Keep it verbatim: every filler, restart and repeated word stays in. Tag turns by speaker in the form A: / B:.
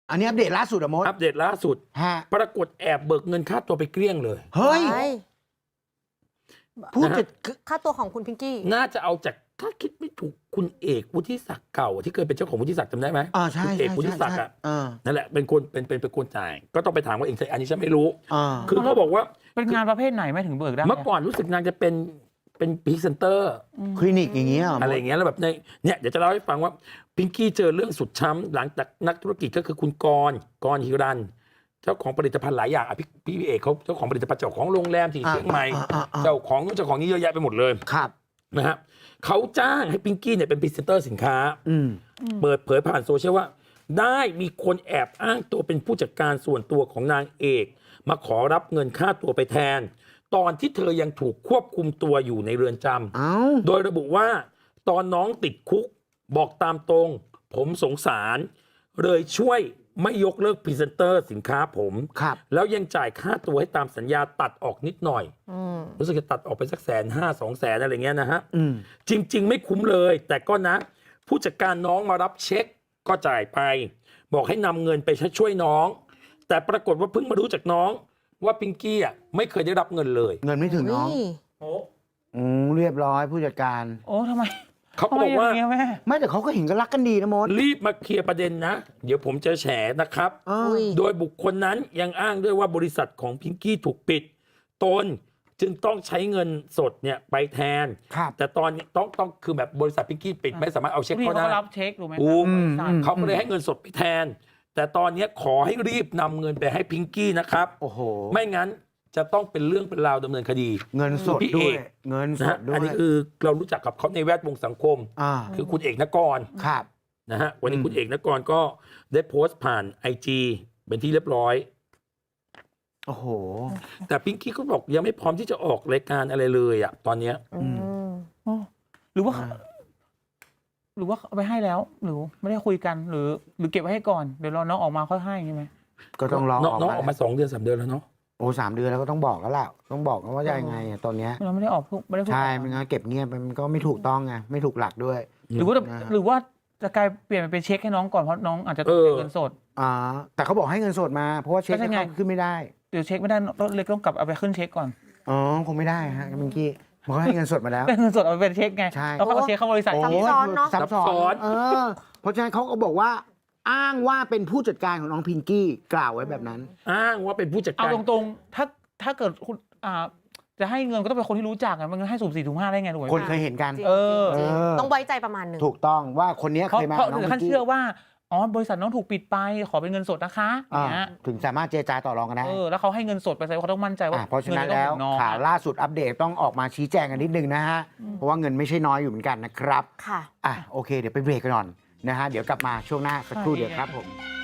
A: อันนี้อัปเดตล่าสุดอะมด
B: อัปเดตล่าสุดปรากฏแอบเบิกเงินค่าตัวไปเกลี้ยงเลย
A: เฮ้ยพูดจะ
C: ค่าตัวของคุณพิงกี้
B: น่าจะเอาจากถ้าคิดไม่ถูกคุณเอกวุฒิศักดิ์เก่าที่เคยเป็นเจ้าของวุฒิศักดิ์จำได้ไหม
A: อ่าใช่
B: คุณเอกวุฒิศักดิ์อ่ะนั่นแหละเป็นคนเป็นเป็นเป็นคนจ่ายก็ต้องไปถามว่าเองใช่อันนี้ฉันไม่รู้คือเขาบอกว่า
D: เป็นงานประเภทไหนไม่ถึงเบิกได้
B: เมื่อก่อนรู้สึกนางจะเป็นเป็นพรีเซนเตอร์
A: คลินิกอย่างเงี้ย
B: อะไรอย่างเงี้ยแล้วแบบในเนี่ยเดี๋ยวจะเล่าให้ฟังว่าพิงกี้เจอเรื่องสุดช้ำหลังจากนักธุรกิจก็คือคุณกรกรฮิรันเจ้าของผลิตภัณฑ์หลายอย่างอ่ะพี่พี่เอกเขาเจ้าของผลิตภัณฑ์เจ้าของโรงแรมที่เชียงใหม่เจ้าของนู้นเจ้าของนี้เยอะแยะไปหมดเลย
A: ครับ
B: นะฮะเขาจ้างให้พิงกี้เนี่ยเป็นพรีเซนเตอร์สินค้าเปิดเผยผ่านโซเชียลว่าได้มีคนแอบอ้างตัวเป็นผู้จัดการส่วนตัวของนางเอกมาขอรับเงินค่าตัวไปแทนตอนที่เธอยังถูกควบคุมตัวอยู่ในเรือนจำโดยระบุว่าตอนน้องติดคุกบอกตามตรงผมสงสารเลยช่วยไม่ยกเลิกพรีเซนเตอร์สินค้าผมแล้วยังจ่ายค่าตัวให้ตามสัญญาตัดออกนิดหน่อยรู้สึกจะตัดออกไปสักแสนห้าสองแสนอะไรเงี้ยนะฮะจริงๆไม่คุ้มเลยแต่ก็นะผู้จัดการน้องมารับเช็คก็จ่ายไปบอกให้นำเงินไปช่วยน้องแต่ปรากฏว่าเพิ่งมารู้จากน้องว่าพิงกี้อ่ะไม่เคยได้รับเงินเลย
A: เงินไม่ถึงน้องโอ้อืมเรียบร้อยผู้จัดการ
D: โอ้ทำไม
B: เขาบอกว่า
A: ไม่แต่เขาก็เห็นกันรักกันดีนะมด
B: รีบมาเคลียร์ประเด็นนะเดี๋ยวผมจะแฉนะครับโดยบุคคลนั้นยังอ้างด้วยว่าบริษัทของพิงกี้ถูกปิดตนจึงต้องใช้เงินสดเนี่ยไปแทนแต่ตอนนี้ต้องต้องคือแบบบริษัทพิงกี้ปิดไม่สามารถเอาเช็คเขาได้
D: เขารับเช็คถูกไหม
B: เขาก็เลยให้เงินสดไปแทนแต่ตอนนี้ขอให้รีบนำเงินไปให้พิงกี้นะครับ
A: โอ้โห
B: ไม่งั้นจะต้องเป็นเรื่องเป็นราวดำเนินคดี
A: เงินสดด้วยเงินสดด้วย
B: อันนี้คือเรารู้จักกับเขาในแวดวงสังคมคือคุณเอกนกร
A: ครับ
B: นะฮะวันนี้คุณเอกนกรก็ได้โพสต์ผ่านไอจีเป็นที่เรียบร้อย
A: โอ้โห
B: แต่พิงกี้ก็บอกยังไม่พร้อมที่จะออกรายการอะไรเลยอ่ะตอนเนี้ย
D: หรือว่าหรือว่าเอาไปให้แล้วหรือไม่ได้คุยกันหรือหรือเก็บไว้ให้ก่อนเดี๋ยวรอน้องออกมาค่อยให้ใช่ไหม
A: ก็ต้องรอ
B: น้องออกมาสองเดือนสามเดือนแล้วเนาะ
A: โอ้สามเดือนแล้วก็ต้องบอกแล้วแหละต้องบอกว่าจะยังไงตอนนี้
D: เราไม่ได้ออกไม่ได้
A: ใช่ไม่งั้นเก็บเงียบมันก็ไม่ถูกต้องไงไม่ถูกหลักด้วย
D: หรือว่าหรือว่าจะกลายเปลี่ยนเป็นเช็คให้น้องก่อนเพราะน้องอาจจะต้องเงินสด
A: อ่าแต่เขาบอกให้เงินสดมาเพราะว่าเช็คเขาขึ้นไม่ได้
D: เดี๋ยวเช็คไม่ได้เลยต้องกลับเอาไปขึ้นเช็คก่อน
A: อ๋อคงไม่ได้ฮะเมื่อกี้มันก็ให้เงินสดมาแล้ว
D: เงินสดเอาไปเป็นเช็คไงแล้วก็เช็คเข้าบริษัท
C: ซับซ้อนเนาะ
A: ซับซ้อนเออเพราะฉะนั้นเขาก็บอกว่าอ้างว่าเป็นผู้จัดการของน้องพิงกี้กล่าวไว้แบบนั้น
B: อ้างว่าเป็นผู้จัดการ
D: เอาตรงๆถ้าถ้าเกิดคุณอ่าจะให้เงินก็ต้องเป็นคนที่รู้จักอ่ะมันให้สุ่มสี่สุ่มห้าได้ไงถูกไหม
A: คนเคยเห็นกัน
D: เออ
C: ต้องไว้ใจประมาณนึง
A: ถูกต้องว่าคนนี้เคยมา
D: น้องพิงกี้ท่านเชื่อว่าอ๋อบริษัทน้องถูกปิดไปขอเป็นเงินสดนะคะอย่างเงี้ย
A: ถึงสามารถเจรจาต่อรองกันได้
D: เออแล้วเขาให้เงินสดไปแสดงว่าเขาต้องมั่นใจว่า
A: เพราะฉะนั้นแล้วข่าวล่าสุดอัปเดตต้องออกมาชี้แจงกันนิดนึงนะฮะเพราะว่าเงินไม่ใช่น้อยอยู่เหมือนกันนะครับ
C: ค่ะ
A: อ่ะโอเคเดี๋ยวไปเบรกกันก่อนนะฮะเดี๋ยวกลับมาช่วงหน้าสักครู่เดียวครับผม